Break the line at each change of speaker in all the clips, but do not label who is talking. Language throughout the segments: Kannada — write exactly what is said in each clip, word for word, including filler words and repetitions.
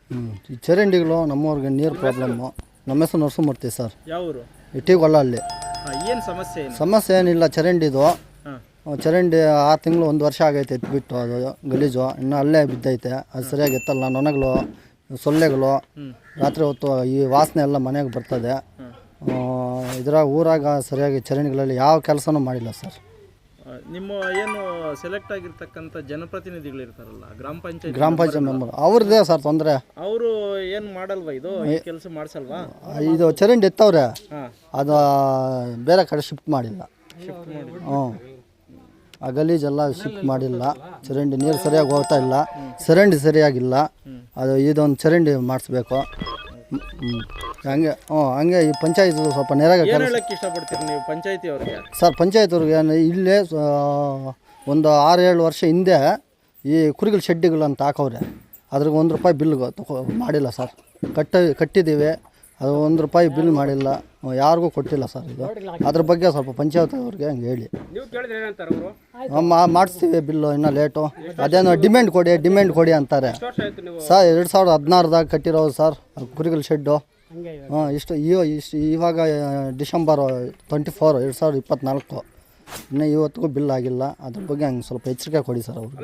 ಹ್ಞೂ ಈ ಚರಂಡಿಗಳು ನಮ್ಮವ್ರಿಗೆ ನೀರು ಪ್ರಾಬ್ಲಮ್ಮು. ನಮ್ಮ ಹೆಸರು ನರಸಿಂಹಮೂರ್ತಿ ಸರ್.
ಯಾವ ಊರು?
ಇಟ್ಟಿಗೊಲ್ಲ ಅಲ್ಲಿ.
ಏನು ಸಮಸ್ಯೆ?
ಸಮಸ್ಯೆ ಏನಿಲ್ಲ, ಚರಂಡಿದು. ಚರಂಡಿ ಆರು ತಿಂಗಳು ಒಂದು ವರ್ಷ ಆಗೈತೆ ಎತ್ಬಿಟ್ಟು, ಅದು ಗಲೀಜು ಇನ್ನೂ ಅಲ್ಲೇ ಬಿದ್ದೈತೆ. ಅದು ಸರಿಯಾಗಿ ಎತ್ತಲ್ಲ. ನೊಣಗಳು, ಸೊಳ್ಳೆಗಳು, ರಾತ್ರಿ ಹೊತ್ತು ಈ ವಾಸನೆ ಎಲ್ಲ ಮನೆಗೆ ಬರ್ತದೆ. ಇದ್ರಾಗ ಊರಾಗ ಸರಿಯಾಗಿ ಚರಂಡಿಗಳಲ್ಲಿ ಯಾವ ಕೆಲಸನೂ ಮಾಡಿಲ್ಲ ಸರ್.
ನಿಮ್ಮ ಏನು ಸೆಲೆಕ್ಟ್ ಆಗಿರ್ತಕ್ಕಂಥ ಜನಪ್ರತಿನಿಧಿಗಳು ಇರ್ತಾರಲ್ಲ, ಗ್ರಾಮ ಪಂಚಾಯತ್
ಗ್ರಾಮ ಪಂಚಾಯತ್ ಮೆಂಬರ್ ಅವ್ರದ್ದೇ ಸರ್ ತೊಂದರೆ.
ಅವರು ಏನು ಮಾಡಲ್ವಾ? ಇದು ಕೆಲಸ ಮಾಡಿಸಲ್ವಾ?
ಇದು ಚರಂಡಿ ಎತ್ತವ್ರೆ, ಅದು ಬೇರೆ ಕಡೆ ಶಿಫ್ಟ್ ಮಾಡಿಲ್ಲ. ಹ್ಞೂ ಆ ಗಲೀಜೆಲ್ಲ ಶಿಫ್ಟ್ ಮಾಡಿಲ್ಲ. ಚರಂಡಿ ನೀರು ಸರಿಯಾಗಿ ಹೋಗ್ತಾ ಇಲ್ಲ, ಚರಂಡಿ ಸರಿಯಾಗಿಲ್ಲ. ಅದು ಇದೊಂದು ಚರಂಡಿ ಮಾಡಿಸ್ಬೇಕು. ಹ್ಞೂ ಹಂಗೆ ಹ್ಞೂ ಹಂಗೆ ಈ ಪಂಚಾಯತ್ ಸ್ವಲ್ಪ ನೇರಾಗ
ಹೇಳಕ್ಕೆ ಇಷ್ಟಪಡ್ತೀರಿ ನೀವು ಪಂಚಾಯತಿ ಅವ್ರಿಗೆ?
ಸರ್ ಪಂಚಾಯತ್ ಅವ್ರಿಗೆ ಇಲ್ಲೇ ಒಂದು ಆರು ಏಳು ವರ್ಷ ಹಿಂದೆ ಈ ಕುರಿಗಳ ಶೆಡ್ಡಿಗಳು ಅಂತ ಹಾಕವ್ರೆ. ಅದ್ರಿಗೆ ಒಂದು ರೂಪಾಯಿ ಬಿಲ್ ತಗೋ ಮಾಡಿಲ್ಲ ಸರ್. ಕಟ್ಟ ಕಟ್ಟಿದ್ದೀವಿ, ಅದು ಒಂದು ರೂಪಾಯಿ ಬಿಲ್ ಮಾಡಿಲ್ಲ, ಯಾರಿಗೂ ಕೊಟ್ಟಿಲ್ಲ ಸರ್. ಇದು ಅದ್ರ ಬಗ್ಗೆ ಸ್ವಲ್ಪ ಪಂಚಾಯತ್ ಅವ್ರಿಗೆ ಹಂಗೆ ಹೇಳಿ. ಮಾಡಿಸ್ತೀವಿ ಬಿಲ್ಲು, ಇನ್ನೂ ಲೇಟು. ಅದೇನೋ ಡಿಮ್ಯಾಂಡ್ ಕೊಡಿ ಡಿಮ್ಯಾಂಡ್ ಕೊಡಿ ಅಂತಾರೆ ಸರ್. ಎರಡು ಸಾವಿರದ ಹದಿನಾರದಾಗ ಕಟ್ಟಿರೋದು ಸರ್ ಕುರಿಗಳ ಶೆಡ್ಡು. ಹಾಂ ಇಷ್ಟು ಇಷ್ಟು ಇವಾಗ ಡಿಸೆಂಬರು ಟ್ವೆಂಟಿ ಫೋರ್ ಎರಡು ಸಾವಿರದ ಇಪ್ಪತ್ತ್ನಾಲ್ಕು ಇನ್ನೂ ಇವತ್ತಿಗೂ ಬಿಲ್ ಆಗಿಲ್ಲ. ಅದ್ರ ಬಗ್ಗೆ ಹಂಗೆ ಸ್ವಲ್ಪ ಎಚ್ಚರಿಕೆ ಕೊಡಿ ಸರ್ ಅವರು.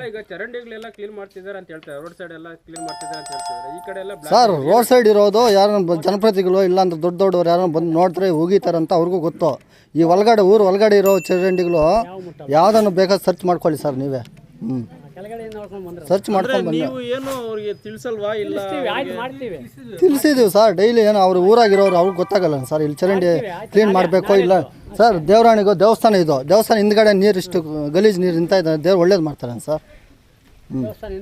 ಸರ್ ರೋಡ್ ಸೈಡ್ ಇರೋದು ಯಾರನ್ನ ಜನಪ್ರತಿನಿಧಿಗಳು ಇಲ್ಲಾಂದ್ರೆ ದೊಡ್ಡ ದೊಡ್ಡವ್ರು ಯಾರನ್ನ ಬಂದು ನೋಡ್ತಾರೆ ಹೋಗಿತಾರೆ ಅಂತ ಅವ್ರಿಗೂ ಗೊತ್ತು. ಈ ಒಳಗಡೆ ಊರು ಒಳಗಡೆ ಇರೋ ಚರಂಡಿಗಳು ಯಾವುದನ್ನು ಬೇಕಾದ್ರೆ ಸರ್ಚ್ ಮಾಡ್ಕೊಳ್ಳಿ ಸರ್ ನೀವೇ. ಹ್ಞೂ ಸರ್ಚ್ ಮಾಡ್ಕೊಂಡು
ನೀವು ಏನು ಅವ್ರಿಗೆ ತಿಳಿಸಲ್ವಾ? ಇಲ್ಲ
ತಿಳಿಸಿದ್ದೀವಿ ಸರ್. ಡೈಲಿ ಏನು ಅವ್ರು ಊರಾಗಿರೋರು ಅವ್ರಿಗೆ ಗೊತ್ತಾಗಲ್ಲ ಸರ್. ಇಲ್ಲಿ ಚರಂಡಿ ಕ್ಲೀನ್ ಮಾಡಬೇಕು ಇಲ್ಲ ಸರ್. ದೇವರಾಣಿಗೂ ದೇವಸ್ಥಾನ ಇದು, ದೇವಸ್ಥಾನ ಹಿಂದ್ಗಡೆ ನೀರು ಇಷ್ಟು ಗಲೀಜು ನೀರು ನಿಂತ ಇದ್ದಾರೆ. ದೇವ್ರು ಒಳ್ಳೇದು ಮಾಡ್ತಾರೆ ಸರ್. ಹ್ಞೂ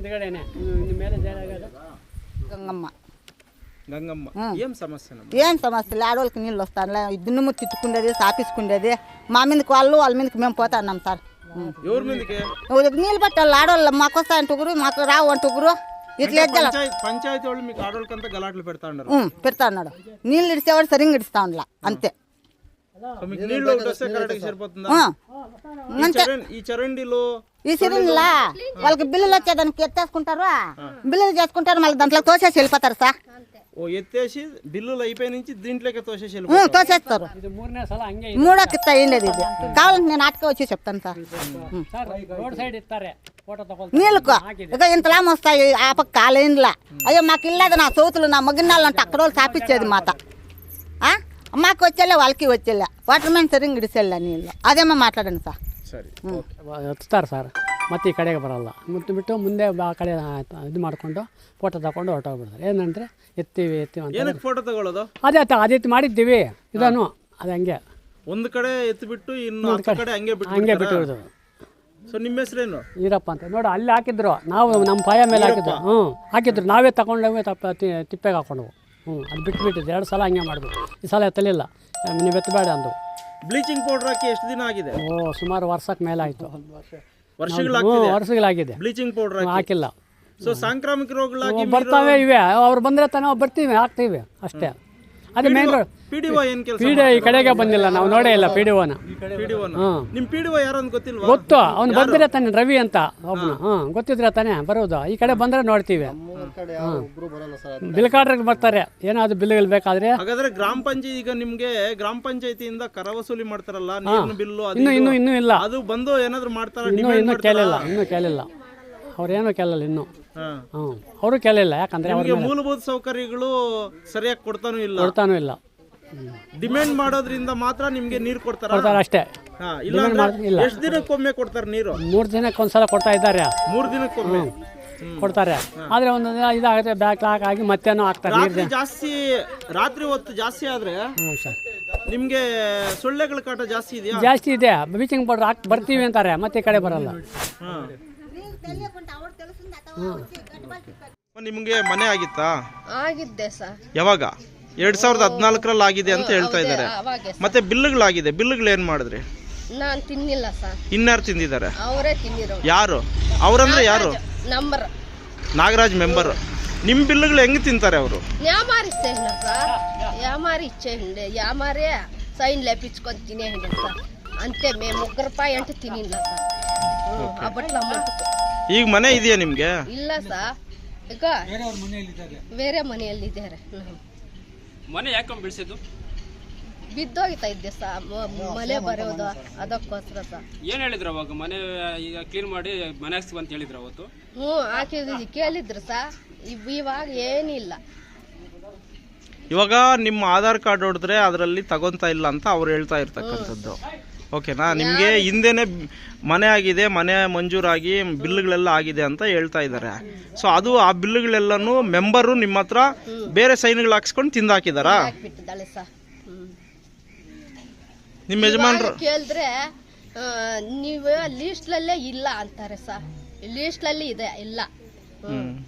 ಗಂಗಮ್ಮ
గంగమ్మ ఏం సమస్య?
ఏం సమస్య ఆడవాళ్ళకి నీళ్ళు వస్తానులే. దున్నుము తిట్టుకుండేది, సాపించుకుండేది. మా మీదకి వాళ్ళు వాళ్ళ మీదకి మేము పోతున్నాం సార్.
ఎవరి మీదకి?
నీళ్ళు పట్టాలి ఆడవాళ్ళు. మాకు వస్తా అంటుగురు, మాకు రావు అంటుగురు. ఇట్లా
పంచాయతీ వాళ్ళు మీకు ఆడవాళ్ళకంతా గలాట్లు పెడతా ఉన్నారు.
పెడతా ఉన్నాడు. నీళ్ళు ఇడిచేవాడు సరిగ్గా ఇడుస్తా ఉండలా అంతే.
ఈ చరండిలో
ఈ సిరిండ్లా వాళ్ళకి బిల్లులు వచ్చేదానికి ఎత్తేసుకుంటారు, బిల్లులు చేసుకుంటారు, మళ్ళీ దాంట్లో తోసేసి వెళ్ళిపోతారు సార్.
ఓ ఎత్తేసి బిల్లులు అయిపోయి నుంచి దీంట్లోకి తోసేసి
తోసేస్తారు. మూడోకి అయ్యిండేది ఇది. కావాలంటే నేను ఆటకే వచ్చి చెప్తాను సార్. నీళ్ళకు ఇక ఇంతలా వస్తాయి ఆ పక్క కాలేండ్లా. అయ్యో మాకు ఇల్లేదు, నా సోతులు నా మగిన్నాళ్ళు అంటే అక్కడ వాళ్ళు తాపిచ్చేది మాత. మాకు వచ్చేలే వాళ్ళకి వచ్చేలే. Water man ಸರಿಂಗ್ ಇಡಿಸಲ್ಲ ನೀళ్ళు. ಅದೇಮ್ಮ ಮಾತಾಡೋಣ ಸರ್.
ಸರಿ
ಎತ್ತಾರೆ ಸರ್. ಮತ್ತೆ ಈ ಕಡೆಗೆ ಬರೋಲ್ಲ. ಮುತ್ತು ಬಿಟ್ಟು ಮುಂದೆ ಆ ಕಡೆ ಇದು ಮಾಡಿಕೊಂಡು ಫೋಟೋ ತಗೊಂಡು ಹೊರಟೋಗ್ಬಿಡ್ತಾರೆ. ಏನಂದರೆ ಎತ್ತೀವಿ ಎತ್ತೀವಿ ಅಂತ.
ಫೋಟೋ ತಗೊಳ್ಳೋದು
ಅದೇ ಅದೇ ಮಾಡಿದ್ದೀವಿ ಇದನ್ನು. ಅದು ಹಂಗೆ
ಒಂದು ಕಡೆ ಎತ್ತಿಬಿಟ್ಟು ಇನ್ನು ಕಡೆ ಹಂಗೆ ಬಿಟ್ಟು
ಹಂಗೆ ಬಿಟ್ಟು.
ಸೊ ನಿಮ್ಮ ಹೆಸರೇನು?
ಈರಪ್ಪ ಅಂತ ನೋಡಿ. ಅಲ್ಲಿ ಹಾಕಿದ್ರು, ನಾವು ನಮ್ಮ ಪಾಯ ಮೇಲೆ ಹಾಕಿದ್ರು. ಹ್ಞೂ ಹಾಕಿದ್ರು, ನಾವೇ ತಗೊಂಡೋಗಿ ತಪ್ಪ ತಿಪ್ಪೆಗೆ ಹಾಕೊಂಡವು. ಹ್ಞೂ ಅದು ಬಿಟ್ಬಿಟ್ಟಿದ್ದು. ಎರಡು ಸಲ ಹಂಗೆ ಮಾಡಿದ್ವು. ಈ ಸಲ ಎತ್ತಲಿಲ್ಲ, ನೀವು ಎತ್ತಬೇಡ ಅಂದು.
ಬ್ಲೀಚಿಂಗ್ ಪೌಡರ್ ಹಾಕಿ ಎಷ್ಟು ದಿನ ಆಗಿದೆ?
ಓ ಸುಮಾರು ವರ್ಷಕ್ಕೆ ಮೇಲೆ ಆಯಿತು.
ವರ್ಷಗಳಾಗಿದೆ
ವರ್ಷಗಳಾಗಿದೆ
ಬ್ಲೀಚಿಂಗ್ ಪೌಡರ್
ಹಾಕಿಲ್ಲ.
ಸೊ ಸಾಂಕ್ರಾಮಿಕ ರೋಗಗಳಾಗಿ
ಬರ್ತಾವೆ ಇವೆ. ಅವ್ರು ಬಂದರೆ ತಾನೇ ನಾವು ಬರ್ತೀವಿ, ಹಾಕ್ತೀವಿ ಅಷ್ಟೇ. ಅದೇ ಮೇನ್ ರೋಡ್.
ಪಿಡಿಒ ಏನು ಕೆಲಸ?
ಪಿಡಿಒ ಈ ಕಡೆಗೆ ಬಂದಿಲ್ಲ, ನಾವು ನೋಡೇ ಇಲ್ಲ ಪಿಡಿಒನ.
ಪಿಡಿಒನ ನಿಮ್ಮ ಪಿಡಿಒ ಯಾರು ಅಂತ ಗೊತ್ತಿಲ್ವಾ?
ಗೊತ್ತು, ಅವ್ನು ಬಂದಿರ ತಾನೆ, ರವಿ ಅಂತ ಒಬ್ಬನು. ಹ್ಞೂ ಗೊತ್ತಿದ್ರೆ ತಾನೇ ಬರೋದು. ಈ ಕಡೆ ಬಂದರೆ ನೋಡ್ತೀವಿ. ಬಿಲ್ ಕಾಡ್ರಿಗೆ ಬರ್ತಾರೆ, ಏನಾದ್ರು ಬಿಲ್ಗಳು ಬೇಕಾದ್ರೆ.
ಹಾಗಾದ್ರೆ ಗ್ರಾಮ ಪಂಚಾಯತ್ ಈಗ ನಿಮ್ಗೆ ಗ್ರಾಮ ಪಂಚಾಯತಿಯಿಂದ ಕರ ವಸೂಲಿ ಮಾಡ್ತಾರಲ್ಲ, ನೀರಿನ ಬಿಲ್ಲು,
ಇನ್ನು ಇನ್ನು ಇನ್ನೂ ಇಲ್ಲ.
ಅದು ಬಂದು ಏನಾದ್ರು ಮಾಡ್ತಾರ?
ಇನ್ನೂ ಇನ್ನೂ ಕೇಳಿಲ್ಲ, ಇನ್ನೂ ಕೇಳಿಲ್ಲ. ಅವ್ರೇನು ಕೇಳಲ್ಲ ಇನ್ನು. ಹ್ಞೂ ಅವರು ಕೇಳಿಲ್ಲ. ಯಾಕಂದ್ರೆ ಅವ್ರಿಗೆ
ಮೂಲಭೂತ ಸೌಕರ್ಯಗಳು ಸರಿಯಾಗಿ ಕೊಡ್ತಾನೂ ಇಲ್ಲ
ಕೊಡ್ತಾನೂ ಇಲ್ಲ.
ಡಿಮ್ಯಾಂಡ್ ಮಾಡೋದ್ರಿಂದ ಮಾತ್ರ ನಿಮ್ಗೆ ನೀರು ಕೊಡ್ತಾರ?
ಕೊಡ್ತಾರೆ ಅಷ್ಟೇ.
ಇಲ್ಲ ಎಷ್ಟು ದಿನಕ್ಕೊಮ್ಮೆ ಕೊಡ್ತಾರೆ ನೀರು?
ಮೂರು ದಿನಕ್ಕೆ ಒಂದ್ಸಲ ಕೊಡ್ತಾ ಇದ್ದಾರೆ.
ಮೂರು ದಿನಕ್ಕೊಮ್ಮೆ
ಕೊಡ್ತಾರೆ. ಆದ್ರೆ ಒಂದು ಇದಾಗುತ್ತೆ, ಬ್ಯಾಕ್ ಲಾಕ್ ಆಗಿ ಮತ್ತೇನೋ ಹಾಕ್ತಾರೆ.
ರಾತ್ರಿ ಜಾಸ್ತಿ, ರಾತ್ರಿ ಹೊತ್ತು ಜಾಸ್ತಿ ಆದ್ರೆ ನಿಮ್ಗೆ ಸೊಳ್ಳೆಗಳ ಕಾಟ ಜಾಸ್ತಿ ಇದೆಯಾ?
ಜಾಸ್ತಿ ಇದೆ. ಬ್ಲೀಚಿಂಗ್ ಪೌಡರ್ ಹಾಕಿ ಬರ್ತೀವಿ ಅಂತಾರೆ, ಮತ್ತೆ ಈ ಕಡೆ ಬರಲ್ಲ.
ನಿಮ್ಗೆ ಮನೆ ಆಗಿತ್ತಾ?
ಆಗಿದ್ದೆ ಸರ್.
ಯಾವಾಗ? ಎರಡ್ ಸಾವಿರದ ಹದಿನಾಲ್ಕರಲ್ಲಿ ಆಗಿದೆ ಅಂತ ಹೇಳ್ತಾ ಇದ್ದಾರೆ. ಮತ್ತೆ ಬಿಲ್లుಗಳಾಗಿದೆ, ಬಿಲ್లుಗಳು ಏನ್ ಮಾಡಿದ್ರಿ?
ನಾನು ತಿನ್ನಿಲ್ಲ ಸರ್.
ಇನ್ಯಾರು ತಿಂದಿದ್ದಾರೆ?
ಅವರೇ ತಿನ್ನಿರೋ.
ಯಾರು ಅವರಂದ್ರೆ? ಯಾರು?
Number
Nagaraj member. ನಿಮ್ ಬಿಲ್లుಗಳು ಹೆಂಗ್ ತಿಂತಾರೆ ಅವರು?
యామారి ఇచ్చేయండి సార్. యామారి ఇచ్చేయండి. యామారే సైన్ లేపించుకొని తినేయండి సార్. అంతే. మేము ముగ్గురు రూపాయి అంటే తినిಲ್ಲ సార్. అప్పట్లో అమౌంట్.
ಈಗ ಮನೆ ಇದೆಯಾ ನಿಮ್ಗೆ?
ಇಲ್ಲ ಸರ್. ಈಗ ಬೇರೆ ಮನೆಯಲ್ಲಿದ್ದಾರೆ ಹ್ಮ್.
ಮನೆ ಯಾಕೆ ಬೀಳ್ಸಿದ್ದು?
ಬಿದ್ದೋಗ್ತಾ ಇದ್ದೆ ಸ ಮಳೆ ಬರೋದು ಅದಕ್ಕೋಸ್ಕರ ಸ
ಏನ್ ಹೇಳಿದ್ರು ಅವಾಗ? ಮನೆ ಈಗ ಕ್ಲೀನ್ ಮಾಡಿ ಮನೆ ಹಾಕ್ಸ್ತೀವಿ ಅಂತ ಹೇಳಿದ್ರು ಅವತ್ತು?
ಹ್ಞೂ ಹಾಕಿದ್ವಿ ಕೇಳಿದ್ರು ಸ ಇವ್- ಇವಾಗ ಏನಿಲ್ಲ.
ಇವಾಗ ನಿಮ್ಮ ಆಧಾರ್ ಕಾರ್ಡ್ ಹೊಡೆದ್ರೆ ಅದರಲ್ಲಿ ತಗೊಂತಾ ಇಲ್ಲ ಅಂತ ಅವ್ರು ಹೇಳ್ತಾ ಇರ್ತಕ್ಕಂಥದ್ದು. ಓಕೆನಾ? ನಿಮಗೆ ಹಿಂದೆನೆ ಮನೆ ಆಗಿದೆ, ಮನೆ ಮಂಜೂರಾಗಿ ಬಿಲ್ಗಳೆಲ್ಲ ಆಗಿದೆ ಅಂತ ಹೇಳ್ತಾ ಇದ್ದಾರೆ. ಸೊ ಅದು ಆ ಬಿಲ್ಗಳೆಲ್ಲನೂ ಮೆಂಬರು ನಿಮ್ಮ ಹತ್ರ ಬೇರೆ ಸೈನ್ಗಳು ಹಾಕ್ಸ್ಕೊಂಡು ತಿಂದಾಕಿದಾರಾ?
ಹಾಕ್ಬಿಟ್ಟಿದ್ದಾಳೆ ಸ ಹ್ಮ್.
ನಿಮ್ಮ ಯಜಮಾನ್ರು
ಕೇಳಿದ್ರೆ ನೀವು ಲೀಸ್ಟ್ಲಲ್ಲೇ ಇಲ್ಲ ಅಂತಾರೆ ಸ. ಲೀಸ್ಟ್ಲಲ್ಲಿ ಇದೆ ಇಲ್ಲ. ಹ್ಮ್